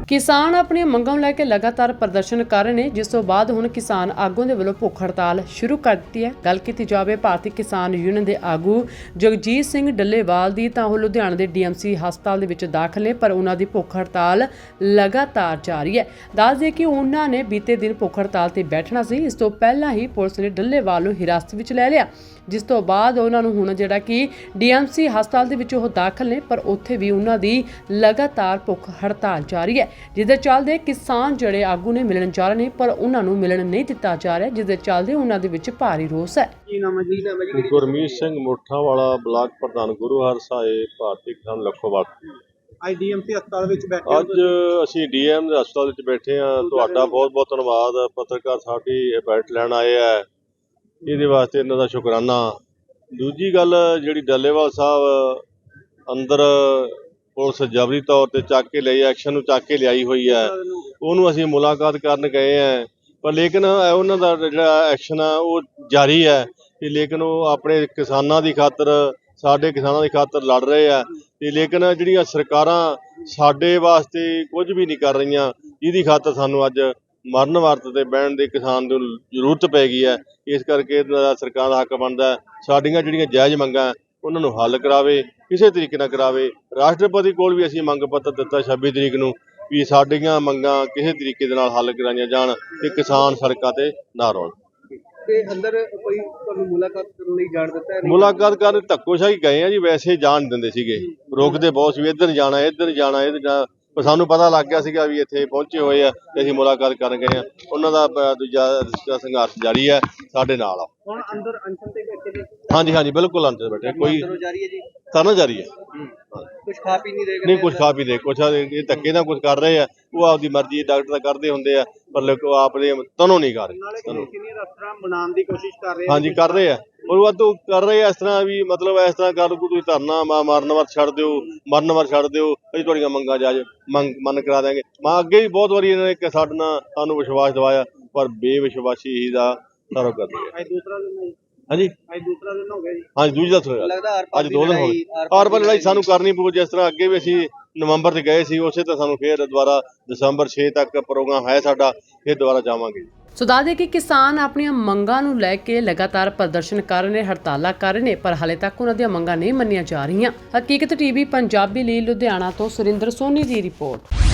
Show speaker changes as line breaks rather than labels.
किसान अपनी मंगों लैके लगातार प्रदर्शन कर रहे हैं, जिस तो बाद हुण किसान आगूआं दे वल्लों भुख हड़ताल शुरू कर दी है। गल कीती जावे भारतीय किसान यूनियन के आगू जगजीत सिंह डल्लेवाल दी तां ओह लुधियाना के DMC हस्पताल दे विच दाखल ने, पर उन्हां दी भुख हड़ताल लगातार जारी है। दस दे कि उन्हां ने बीते दिन भुख हड़ताल ते बैठना सी। इस तो पहलां ही पुलिस ने डल्लेवाल नूं हिरासत विच लै लिया, जिस तो बाद उन्हां नूं हुण जिहड़ा कि DMC हस्पताल दे विच ओह दाखल ने, पर उत्थे भी उन्हां दी लगातार भुख हड़ताल जारी है। जिसदे चलदे किसान जड़े आगू ने मिलन जा रहे हैं, पर उन्होंने मिलन नहीं दिता जा रहा, जिसदे चलदे उन्होंने विच भारी रोस है।
गुरमीत सिंह मुठा वाला ब्लाक प्रधान गुरुहर साहिब भारतीय किसान लखोवाल।
ਅੱਜ DMC ਹਸਪਤਾਲ ਵਿੱਚ ਬੈਠੇ
ਅੱਜ ਅਸੀਂ DM ਦੇ ਹਸਪਤਾਲ ਵਿੱਚ ਬੈਠੇ ਹਾਂ। ਤੁਹਾਡਾ ਬਹੁਤ ਬਹੁਤ ਧੰਨਵਾਦ। ਪੱਤਰਕਾਰ ਸਾਡੀ ਬੈਠ ਲੈਣ ਆਏ ਆ, ਇਹਦੇ ਵਾਸਤੇ ਇਹਨਾਂ ਦਾ ਸ਼ੁਕਰਾਨਾ। ਦੂਜੀ ਗੱਲ ਜਿਹੜੀ ਡੱਲੇਵਾਲ ਸਾਹਿਬ ਅੰਦਰ ਪੁਲਿਸ ਜਬਰੀ ਤੌਰ ਤੇ ਚੱਕ ਕੇ ਲਈ ਐਕਸ਼ਨ ਨੂੰ ਚੱਕ ਕੇ ਲਿਆਈ ਹੋਈ ਹੈ, ਉਹਨੂੰ ਅਸੀਂ ਮੁਲਾਕਾਤ ਕਰਨ ਗਏ ਆ, ਪਰ ਲੇਕਿਨ ਉਹਨਾਂ ਦਾ ਜਿਹੜਾ ਐਕਸ਼ਨ ਆ ਉਹ ਜਾਰੀ ਹੈ ਤੇ ਲੇਕਿਨ ਉਹ ਆਪਣੇ ਕਿਸਾਨਾਂ ਦੀ ਖਾਤਰ ਸਾਡੇ ਕਿਸਾਨਾਂ ਦੀ ਖਾਤਰ ਲੜ ਰਹੇ ਆ ਤੇ ਲੇਕਿਨ ਜਿਹੜੀਆਂ ਸਰਕਾਰਾਂ ਸਾਡੇ ਵਾਸਤੇ ਕੁਝ ਵੀ ਨਹੀਂ ਕਰ ਰਹੀਆਂ, ਜਿਹਦੀ ਖਾਤਰ ਸਾਨੂੰ ਅੱਜ ਮਰਨ ਵਰਤ ਤੇ ਬਹਿਣ ਦੇ ਕਿਸਾਨ ਨੂੰ ਜ਼ਰੂਰਤ ਪੈ ਗਈ ਹੈ। ਇਸ ਕਰਕੇ ਸਰਕਾਰ ਦਾ ਹੱਕ ਬਣਦਾ ਸਾਡੀਆਂ ਜਿਹੜੀਆਂ ਜਾਇਜ਼ ਮੰਗਾਂ ਉਹਨਾਂ ਨੂੰ ਹੱਲ ਕਰਾਵੇ, ਕਿਸੇ ਤਰੀਕੇ ਨਾਲ ਕਰਾਵੇ। ਰਾਸ਼ਟਰਪਤੀ ਕੋਲ ਵੀ ਅਸੀਂ ਮੰਗ ਪੱਤਰ ਦਿੱਤਾ 26 ਤਰੀਕ ਨੂੰ ਵੀ ਸਾਡੀਆਂ ਮੰਗਾਂ ਕਿਸੇ ਤਰੀਕੇ ਦੇ ਨਾਲ ਹੱਲ ਕਰਾਈਆਂ ਜਾਣ ਤੇ ਕਿਸਾਨ ਸੜਕਾਂ ਤੇ ਨਾ ਰੋਣ।
ਤੇ ਅੰਦਰ ਕੋਈ ਤੁਹਾਨੂੰ ਮੁਲਾਕਾਤ ਕਰਨ ਲਈ ਜਾਣ ਦਿੱਤਾ ਹੈ?
ਮੁਲਾਕਾਤ ਕਰਨ ਧੱਕੋਸ਼ਾਹੀ ਗਏ ਆ ਜੀ, ਵੈਸੇ ਜਾਣ ਨਹੀਂ ਦਿੰਦੇ ਸੀਗੇ, ਰੋਕਦੇ ਬਹੁਤ ਸੀ, ਇੱਧਰ ਜਾਣਾ ਇੱਧਰ ਜਾਣਾ ਇੱਧਰ ਜਾਣਾ, ਪਰ ਸਾਨੂੰ ਪਤਾ ਲੱਗ ਗਿਆ ਸੀਗਾ ਵੀ ਇੱਥੇ ਪਹੁੰਚੇ ਹੋਏ ਆ ਤੇ ਅਸੀਂ ਮੁਲਾਕਾਤ ਕਰਨ ਗਏ ਆ। ਉਹਨਾਂ ਦਾ ਦੂਜਾ ਸੰਘਰਸ਼ ਜਾਰੀ ਹੈ, ਸਾਡੇ ਨਾਲ ਆ।
ਹੁਣ ਅੰਦਰ ਅਨਸ਼ਨ ਤੇ ਬੈਠੇ ਨੇ?
ਹਾਂਜੀ ਬਿਲਕੁਲ ਅੰਦਰ ਬੈਠੇ। ਕੋਈ
ਜਾਰੀ ਹੈ ਜੀ?
ਤਰਨਾ ਜਾਰੀ ਹੈ।
ਕੁਝ ਖਾ ਪੀ ਨਹੀਂ ਰਹੇ?
ਨਹੀਂ ਕੁਝ ਖਾ ਪੀ ਦੇ, ਕੁਛ ਇਹ ਧੱਕੇ ਨਾਲ ਕੁਝ ਕਰ ਰਹੇ ਆ, ਉਹ ਆਪਦੀ ਮਰਜ਼ੀ ਡਾਕਟਰ ਤਾਂ ਕਰਦੇ ਹੁੰਦੇ ਆ, ਪਰ ਲੋਕ ਆਪਦੇ ਤਨੋਂ ਨਹੀਂ ਕਰ ਰਹੇ।
ਸੀਨੀਅਰ ਅਫਸਰਾਂ ਬਣਾਉਣ ਦੀ ਕੋਸ਼ਿਸ਼ ਕਰ ਰਹੇ?
ਹਾਂਜੀ ਕਰ ਰਹੇ ਆ, ਉਹ ਵਾਧੂ ਕਰ ਰਹੇ ਆ। ਇਸ ਤਰ੍ਹਾਂ ਵੀ ਮਤਲਬ ਇਸ ਤਰ੍ਹਾਂ ਕਰ ਕੋਈ ਤੁਸੀਂ ਧਰਨਾ ਮਰਨ ਵਾਰ ਛੱਡ ਦਿਓ, ਮਰਨ ਵਾਰ ਛੱਡ ਦਿਓ, ਅਸੀਂ ਤੁਹਾਡੀਆਂ ਮੰਗਾਂ ਜਾਇਜ਼ ਮੰਨ ਕਰਾ ਦਿਆਂਗੇ। ਮੈਂ ਅੱਗੇ ਵੀ ਬਹੁਤ ਵਾਰੀ ਇਹਨਾਂ ਨੇ ਸਾਡੇ ਨਾਲ ਸਾਨੂੰ ਵਿਸ਼ਵਾਸ ਦਿਵਾਇਆ, ਪਰ ਬੇਵਿਸ਼ਵਾਸੀ ਹੀ ਦਾ ਸਾਰਾ ਕਰਦੇ ਆ।
ਅੱਜ ਦੂਸਰਾ ਦਿਨ ਹੈ?
ਹਾਂਜੀ
ਅੱਜ ਦੂਸਰਾ ਦਿਨ ਹੋ ਗਿਆ ਜੀ?
ਹਾਂਜੀ ਦੂਜਾ
ਲੱਗਦਾ
ਅੱਜ 2 ਦਿਨ ਹੋ ਗਏ। ਆਰ ਪਰ ਲੜਾਈ ਸਾਨੂੰ ਕਰਨੀ ਪਊ। ਜਿਸ ਤਰ੍ਹਾਂ ਅੱਗੇ ਵੀ ਅਸੀਂ ਨਵੰਬਰ 'ਚ ਗਏ ਸੀ, ਉਸੇ ਤਰ੍ਹਾਂ ਸਾਨੂੰ ਫਿਰ ਦੁਬਾਰਾ ਦਸੰਬਰ 6 ਤੱਕ ਪ੍ਰੋਗਰਾਮ ਹੈ ਸਾਡਾ, ਫਿਰ ਦੁਬਾਰਾ ਜਾਵਾਂਗੇ।
ਸੋ ਦੱਸ ਦੇ ਕਿ ਕਿਸਾਨ ਆਪਣੀਆਂ ਮੰਗਾਂ ਨੂੰ ਲੈ ਕੇ ਲਗਾਤਾਰ ਪ੍ਰਦਰਸ਼ਨ ਕਰ ਰਹੇ ਨੇ, ਹੜਤਾਲਾਂ ਕਰ ਰਹੇ ਨੇ, ਪਰ ਹਾਲੇ ਤੱਕ ਉਹਨਾਂ ਦੀਆਂ ਮੰਗਾਂ ਨਹੀਂ ਮੰਨੀਆਂ ਜਾ ਰਹੀਆਂ। ਹਕੀਕਤ TV ਪੰਜਾਬੀ ਲਈ ਲੁਧਿਆਣਾ ਤੋਂ ਸੁਰਿੰਦਰ ਸੋਨੀ ਦੀ ਰਿਪੋਰਟ।